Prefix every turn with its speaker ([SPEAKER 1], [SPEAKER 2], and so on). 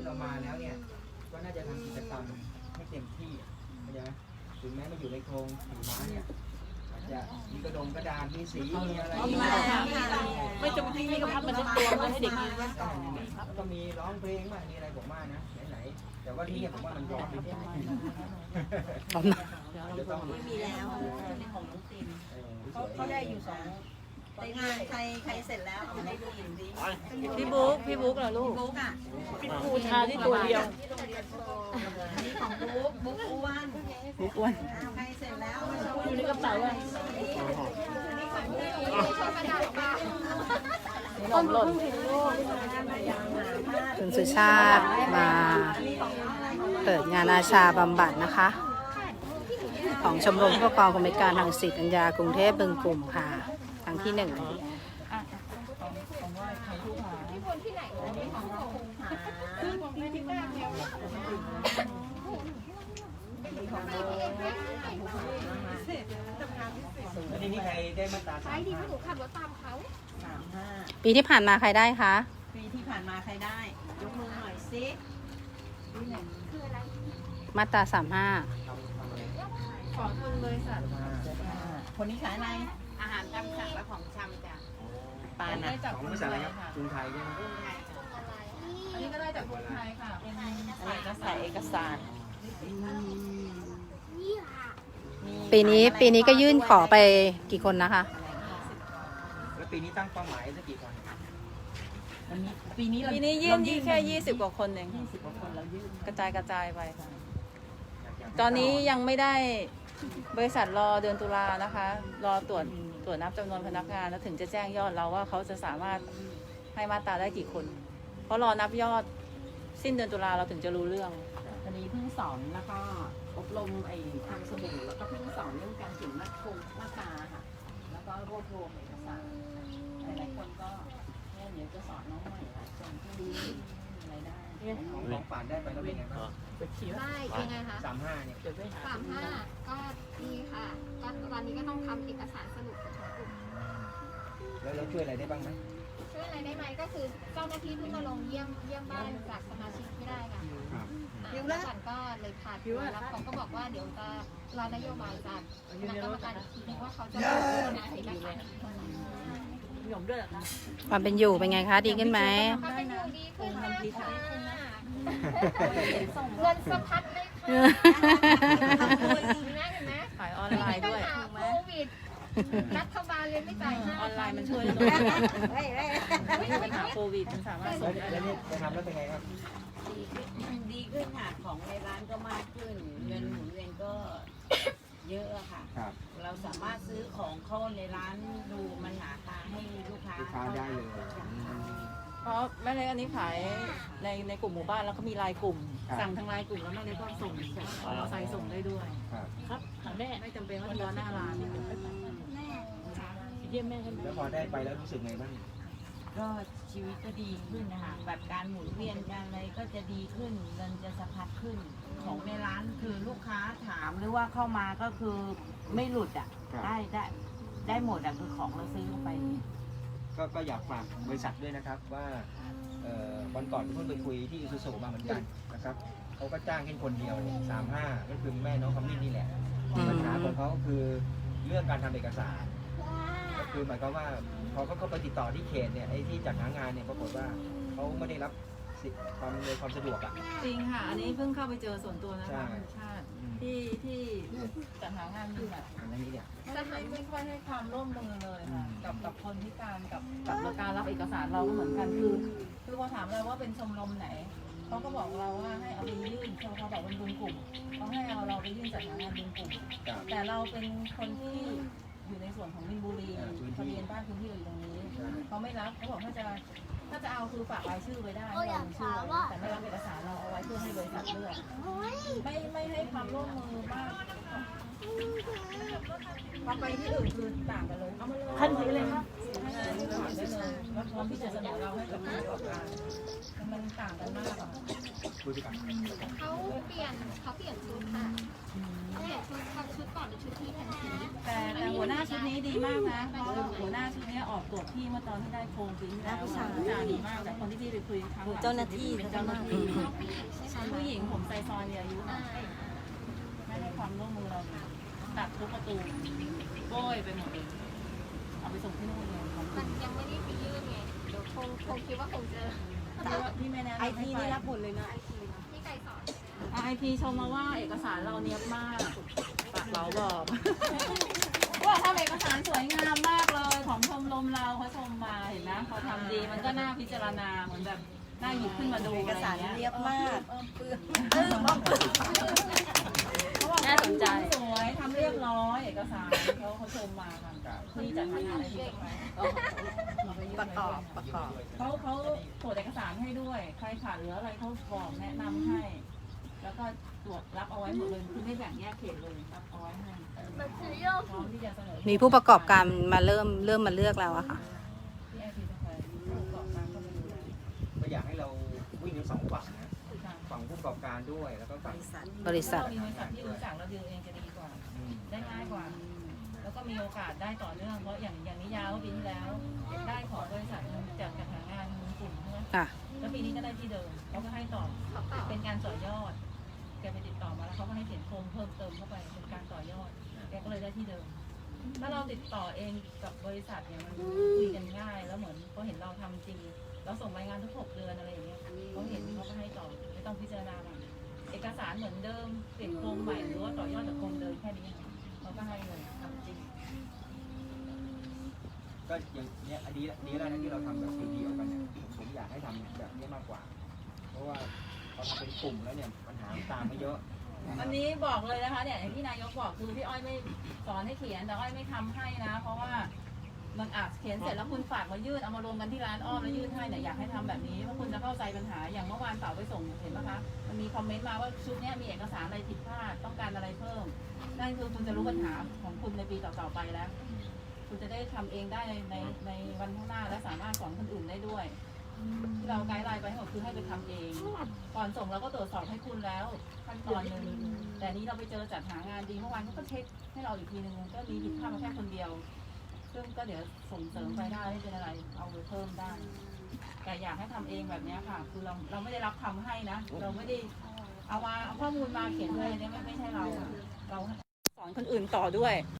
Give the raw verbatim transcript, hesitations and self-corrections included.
[SPEAKER 1] เรามาแล้วเนี่ยก็น่าจะทำกิจกรรมให้เต็มที่เข้าใจไหมถึงแม้มาอยู่ในโครงสีม้าเนี่ยอาจจะมีกระดงกระดานมีสีมีอะไร
[SPEAKER 2] ไม่จำเป็นที่กระพับมันจะตัวมันให้เด็กยืนนะ
[SPEAKER 1] แล้วก็มีร้องเพลงมามีอะไรผมว่านะไหนๆแต่ว่าที่ผมว่ามันร้อนไปจะต้อง
[SPEAKER 3] ไม่มีแล้วของน้องตินเขาได้อยู่สองแต่งานใครใครเสร็จแล้วเอามาให้ดูหญิงดี
[SPEAKER 2] พี่บุ๊กพี่บุ๊กเหรอลูก
[SPEAKER 3] บุ๊กอ่ะ
[SPEAKER 2] พี่บูชาที่ตัวเดียว
[SPEAKER 3] นี่ของบุ๊กบุ๊กอ้วน
[SPEAKER 2] บุ๊กอ้วน
[SPEAKER 3] ใครเสร็จแล้ว
[SPEAKER 2] อยู่ในกระเป๋าอ่ะต้นหล่น
[SPEAKER 4] คุณสุชาติมาเปิดงานอาชาบำบัดนะคะของชมรมผู้ประกอบกิจการทางสิทธิปัญญากรุงเทพบึงกลุ่มค่ะครั้งที่หนึ่ง
[SPEAKER 1] แล้วทีนี้ใครได้มาตราสามห้า
[SPEAKER 4] ปีที่ผ่านมาใครได้คะ
[SPEAKER 3] ปีที่ผ่านมาใครได้ยกมือหน่อยสิ
[SPEAKER 4] มาตราสามห้า
[SPEAKER 2] ขอทุนบริษัท
[SPEAKER 3] คนนี้ขายอะไร
[SPEAKER 2] อาหารตามสั่งและของชำจ้ะ
[SPEAKER 3] ปานนะ
[SPEAKER 1] ของบริษัทอะไรครับกรุงไทยใช่ไหม
[SPEAKER 2] อันนี้ก็ได้จากกรุงไทยค่ะเป็น
[SPEAKER 3] ใส่เอกสาร
[SPEAKER 4] ปีนี้ปีนี้ก็ยื่นขอไปกี่คนนะคะ
[SPEAKER 1] แล้วปีนี้ตั้งเป้าหมายสักกี่คน
[SPEAKER 2] ปีนี้ปีนี้ยื่นแค่ยี่สิบกว่าคนเองกระจายกระจายไปค่ะตอนนี้ยังไม่ได้บริษัทรอเดือนตุลานะคะรอตรวจตรวจนับจำนวนพนักงานแล้วถึงจะแจ้งยอดเราว่าเขาจะสามารถให้มาตราได้กี่คนเพราะรอนับยอดสิ้นเดือนตุลาเราถึงจะรู้เรื่อง
[SPEAKER 3] ตอนนี้เพิ่งสอนแล้วก็อบรมไอ้ทำสบู่แล้วก็เพิ่งสอนเรื่องการเขียนมาตรามาตราค่ะแล้วก็รวบรวมเอกสารหลายๆคนก็เนี่ยเดี๋ยวจะสอนน้องใหม่หลายคนที่รู้อะไรได้
[SPEAKER 1] ของของป่านได้ไปแล้วเป็นไงบ้าง
[SPEAKER 5] ได้ยังไงคะ
[SPEAKER 1] สามห้าเนี่ย
[SPEAKER 5] สามห้าก็ดีค่ะก็ตอนนี้ก็ต้องทำเอกสารสรุปของกลุ่ม
[SPEAKER 1] แล้วเราช่วยอะไรได้บ้างไหม
[SPEAKER 5] ช่วยอะไรได้ไหมก็คือเจ้าหน้าที่เพิ่งมาลงเยี่ยมเยี่ยมบ้านจากสมาชิกไม่ได้ค่ะแล้วก่อนก็เลยผ่านแล้วเขาก็บอกว่าเดี๋ยวจะรอนโยบายจากคณะกรรมการอีกทีนึงว่าเขาจะพิจารณาเอกสาร
[SPEAKER 2] หยมด้วยเหรอคะ
[SPEAKER 4] ความเป็นอยู่เป็นไงคะดีขึ้นไหม
[SPEAKER 5] ความเป็นอยู่ดีขึ้นมากค่ะเงินสะพัดเลยค่ะเห็นไหม
[SPEAKER 2] ขายออนไลน์ด้วย
[SPEAKER 5] โควิดรัฐบาลเลยไม่จ่าย
[SPEAKER 2] ออนไลน์มันช่วยได้ไม่มีปัญหาโควิดมันสามารถส่งได้
[SPEAKER 1] แล้วนี่จะทำแล้วเป็นไงครับ
[SPEAKER 3] ดีขึ้นค่ะของในร้านก็มากขึ้นเงินหมุนเวียนก็เยอะค่ะเราสามารถซื้อของเข้าในร้านดูมันหนาตาให้ลูกค้า
[SPEAKER 1] ลูกค้าได้เลย
[SPEAKER 2] เพราะแม่เล็กอันนี้ขายในในกลุ่มหมู่บ้านแล้วก็มีไลน์กลุ่มสั่งทางไลน์กลุ่มแล้วแม่เล็กก็ส่งส่งมอเตอร์ไซค์ส่งได้ด้วยครับแม่ไม่จำเป็นว่าจะรอหน้าร้านเยี่ยมแม่กัน
[SPEAKER 1] แล้วพอได้ไปแล้วรู้สึกไงบ้าง
[SPEAKER 3] ก็ชีวิตก็ดีขึ้นนะคะแบบการหมุนเวียนการอะไรก็จะดีขึ้นเงินจะสะพัดขึ้นของในร้านคือลูกค้าถามหรือว่าเข้ามาก็คือไม่หลุดอ่ะได้ได้ได้หมดอ่ะคือของเราซื้อเข้าไป
[SPEAKER 1] ก็ก็อยากฝากบริษัทด้วยนะครับว่าวันก่อนเพิ่งไปคุยที่อิซูซูมาเหมือนกันนะครับเขาก็จ้างแค่คนเดียวสามห้าก็คือแม่น้องคำมิ้นนี่แหละปัญหาของเขาคือเรื่องการทำเอกสารก็คือหมายความว่าพอเขาเข้าไปติดต่อที่เขตเนี่ยไอ้ที่จัดหางานเนี่ยปรากฏว่าเขาไม่ได้รับความในความสะดวกอ่ะ
[SPEAKER 2] จริงค่ะอันนี้เพิ่งเข้าไปเจอส่วนตัวนะคะคุณชาติที่ที่จัดหางานมีแบบ
[SPEAKER 1] อันนี้เนี่ย
[SPEAKER 2] จะไม่ไม่ค่อยให้ความร่วมมือเลยค่ะกับกับคนพิการกับกับการรับเอกสารเราก็เหมือนกันคือคือพอถามเราว่าเป็นชมรมไหนเขาก็บอกเราว่าให้เอาไปยื่นเขาเขาบอกเป็นบุญกลุ่มเขาให้เอาเราไปยื่นจัดหางานบุญกลุ่มแต่เราเป็นคนที่อยู่ในส่วนของมินบุรีทะเบียนบ้านพื้นที่อยู่ตรงนี้เขาไม่รับเขาบอกถ้าจะถ้าจะเอาคือฝากรายชื่อไว้ได้ลงชื่อแต่ไม่รับเอกสารเราเอาไว้เพื่อให้บริษัทเลือกไม่ไม่ให้ความร่วมมือมากพอไปที่อื่นคือต่างกันเลยทันทีเลยครับได้เลยแล้วพร้อมที่จะเสนอเราให้กับผู้ประกอบการมันต่างกันมาก
[SPEAKER 1] คุยไปก่อน
[SPEAKER 5] เขาเปลี่ยนเขาเปลี่ยนชุดค่ะเขาเปลี่ยนชุดเขาชุดก่อนหรือชุดที่แทนชุด
[SPEAKER 2] แต่แต่หัวหน้าชุดนี้ดีมากนะเพราะหัวหน้าชุดนี้ออกตรวจพี่เมื่อตอนที่ได้โครงปีที่แล้วผู้ชายดีมากแต่คนที่พี่ไปคุยครั้งหลังเจ้าหน้าที่เป็นเจ้าหน้าที่
[SPEAKER 5] เขาผู้หญิงใช่ไหม
[SPEAKER 2] ผู้หญิงผมไซซอนอายุหน่อยไม่ให้ความร่วมมือเราเลยตัดทุกประตูโบ้ยไปหมดเลยเอาไปส่งที่นู่นเลยของ
[SPEAKER 5] มันยังไม่ได้ไปยื่นไงเดี๋ยวคงคงคิดว่าคงเจอ
[SPEAKER 2] พี่ไม่แนะนำ
[SPEAKER 3] ไอ
[SPEAKER 2] ให้
[SPEAKER 3] ที
[SPEAKER 2] ไป
[SPEAKER 3] นี่รับหมดเลยนะ
[SPEAKER 5] ที่ไก่สอน
[SPEAKER 2] ไอพีชมมาว่าเอกสารเราเนี้ยบมากปากเราบอกว่าทำเอกสารสวยงามมากเลยของชมรมเราเขาชมมาเห็นไหมพอทำดีมันก็น่าพิจารณาเหมือนแบบน่าหยิบขึ้นมาดู
[SPEAKER 3] เอกสาร
[SPEAKER 2] อะไร
[SPEAKER 3] เรี
[SPEAKER 2] เงี้
[SPEAKER 3] ย
[SPEAKER 2] ย
[SPEAKER 3] บมาก
[SPEAKER 2] น่าสนใจสวยทำเรียบร้อยเอกสารเขาเขาชมมาค่ะที่จัดงานอะไรที่ประกอบประกอบเขาเขาตรวจเอกสารให้ด้วยใครขาดเหลืออะไรเขาบอกแนะนำให้ แล้วก็ตรวจรับเอาไว้หมดเลยคือไม่แบ่งแยกเขตเลยรับเอาไว้ให้พร้อมที่จะเสนอ
[SPEAKER 4] มีผู้ประกอบการมาเริ่มเริ่มมาเลือกแล้วอะค่ะ
[SPEAKER 2] ที่ไอพีจะไปผู้ประกอบการก็ไปดูแล
[SPEAKER 1] ก็อยากให้เราวิ่งทั้งสองฝั่งนะฝั่งผู้ประกอบการด้วยแล้วก็ฝั่ง
[SPEAKER 4] บริษัท
[SPEAKER 2] ถ้าเรามีบริษัทที่รู้จักเราดูเองจะดีกว่า
[SPEAKER 1] อืม
[SPEAKER 2] ได้ง่ายกว่า แล้วก็มีโอกาสได้ต่อเนื่อง เพราะอย่างอย่างนิยาเมื่อปีที่แล้ว ได้ของบริษัทหนึ่งจากการหางานกลุ่มใช่ไหม
[SPEAKER 4] ค่ะ
[SPEAKER 2] แล้วปีนี้ก็ได้ที่เดิมเขาก็ให้ต่อ
[SPEAKER 5] เขาเปล่า
[SPEAKER 2] เป็นการต่อยอด แกไปติดต่อมาแล้วเขาก็ให้เขียนโครงเพิ่มเติมเข้าไปเป็นการต่อยอด แกก็เลยได้ที่เดิม ถ้าเราติดต่อเองกับบริษัทเนี่ยมันคุยกันง่าย แล้วเหมือนเขาเห็นเราทำจริง เราส่งรายงานทุกหกเดือนอะไรอย่างเงี้ยเขาเห็นเขาก็ให้ต่อไม่ต้องพิจารณาใหม่เอกสารเหมือนเดิมเปลี่ยนโครงใหม่หรือว่าต่อยอดจากโครงเดิมแค่นี้เขาก็ให้เลยทำจริง
[SPEAKER 1] ก็อย่างเนี้ยอันนี้ดีแล้วนะที่เราทำแบบเดียวๆกันเนี่ยผมผมอยากให้ทำแบบนี้มากกว่า เพราะว่าพอทำเป็นกลุ่มแล้วเนี่ยปัญหาตามมาเยอะ
[SPEAKER 2] อันนี้บอกเลยนะคะเนี่ยอย่างที่นายกบอกคือพี่อ้อยไม่สอนให้เขียนแต่อ้อยไม่ทำให้นะ เพราะว่ามันอาจเขียนเสร็จแล้วคุณฝากมายื่นเอามารวมกันที่ร้านอ้อมแล้วยื่นให้เนี่ยอยากให้ทำแบบนี้เพราะคุณจะเข้าใจปัญหาอย่างเมื่อวานเสาร์ไปส่งเห็นไหมคะมันมีคอมเมนต์มาว่าชุดนี้มีเอกสารอะไรผิดพลาดต้องการอะไรเพิ่มนั่นคือคุณจะรู้ปัญหาของคุณในปีต่อๆไปแล้ว คุณจะได้ทำเองได้ในในในวันข้างหน้าและสามารถสอนคนอื่นได้ด้วยที่เราไกด์ไลน์ไปให้หมดคือให้ไปทำเอง ก่อนส่งเราก็ตรวจสอบให้คุณแล้วขั้นตอนหนึ่งแต่นี้เราไปเจอจัดหางานดีเมื่อวานเขาก็เช็คให้เราอีกทีหนึ่งก็มีผิดพลาดมาแค่คนเดียว ซึ่งก็เดี๋ยวส่งเสริมไปได้ไม่เป็นอะไรเอาไปเพิ่มได้ แต่อยากให้ทำเองแบบนี้ค่ะ คือเราเราไม่ได้รับทำให้นะ เราไม่ได้เอามาเอาข้อมูลมาเขียนเลยเนี่ยไม่ไม่ใช่เราอะเราสอนคนอื่นต่อด้วย